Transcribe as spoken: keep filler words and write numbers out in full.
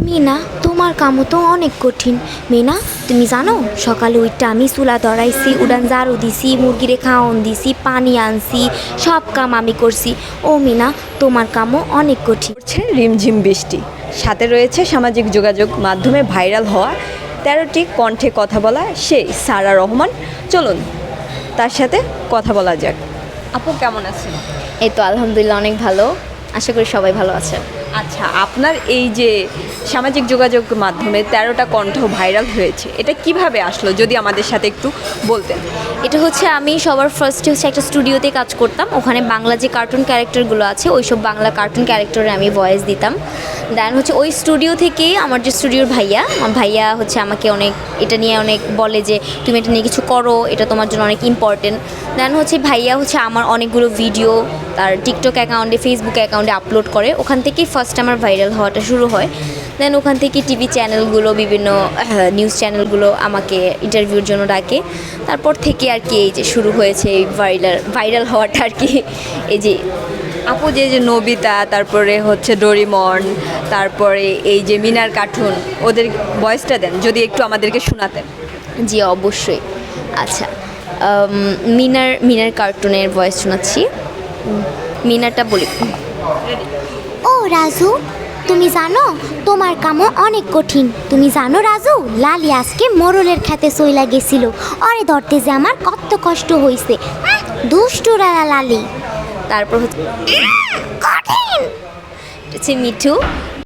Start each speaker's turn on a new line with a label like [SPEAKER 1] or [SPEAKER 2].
[SPEAKER 1] মিনা, তোমার কামও তো অনেক কঠিন। মিনা, তুমি জানো সকালে উঠতে আমি চুলা ধরাইছি, উড়ান ঝাড়ু দিছি, মুরগিরে খাওয়ান দিছি, পানি আনছি, সব কাম আমি করছি। ও মিনা, তোমার কামও অনেক কঠিন।
[SPEAKER 2] হচ্ছে রিমঝিম বৃষ্টি, সাথে রয়েছে সামাজিক যোগাযোগ মাধ্যমে ভাইরাল হওয়া তেরোটি কণ্ঠে কথা বলা সেই সারা রহমান। চলুন তার সাথে কথা বলা যাক। আপু কেমন আছেন?
[SPEAKER 3] এই তো আলহামদুলিল্লাহ অনেক ভালো, আশা করি সবাই ভালো আছে।
[SPEAKER 2] আচ্ছা, আপনার এই যে সামাজিক যোগাযোগ মাধ্যমে তেরোটা কণ্ঠ ভাইরাল হয়েছে, এটা কিভাবে আসলো যদি আমাদের সাথে একটু বলতেন।
[SPEAKER 3] এটা হচ্ছে আমি সবার ফার্স্টে হচ্ছে একটা স্টুডিওতে কাজ করতাম, ওখানে বাংলা যে কার্টুন ক্যারেক্টারগুলো আছে ওই সব বাংলা কার্টুন ক্যারেক্টারে আমি ভয়েস দিতাম। দেন হচ্ছে ওই স্টুডিও থেকেই আমার যে স্টুডিওর ভাইয়া আমার ভাইয়া হচ্ছে আমাকে অনেক এটা নিয়ে অনেক বলে যে তুমি এটা নিয়ে কিছু করো, এটা তোমার জন্য অনেক ইম্পর্টেন্ট। দেন হচ্ছে ভাইয়া হচ্ছে আমার অনেকগুলো ভিডিও তার টিকটক অ্যাকাউন্টে ফেসবুক অ্যাকাউন্টে আপলোড করে, ওখান থেকেই ফার্স্ট আমার ভাইরাল হওয়াটা শুরু হয়। দেন ওখান থেকে টিভি চ্যানেলগুলো বিভিন্ন নিউজ চ্যানেলগুলো আমাকে ইন্টারভিউর জন্য ডাকে। তারপর থেকে আর কি এই যে শুরু হয়েছে এই ভাইরাল ভাইরাল হওয়াটা আর কি। এই যে
[SPEAKER 2] আপু যে যে নবিতা, তারপরে হচ্ছে ডোরিমন, তারপরে এই যে মিনার কার্টুন, ওদের ভয়েসটা দেন যদি একটু আমাদেরকে শোনাতেন।
[SPEAKER 3] জি অবশ্যই। আচ্ছা, আম, মিনার মিনার কার্টুনের ভয়েস শোনাচ্ছি। মিনারটা বলি।
[SPEAKER 1] ও রাজু, তুমি জানো তোমার কামও অনেক কঠিন। তুমি জানো রাজু, লালি আজকে মোরলের খেতে চইলা গেছিল, অরে ধরতে যে আমার কত কষ্ট হইছে। উম, দুষ্টু রালা লালি।
[SPEAKER 3] তারপর হচ্ছে
[SPEAKER 1] কঠিন।
[SPEAKER 3] হচ্ছে মিঠু,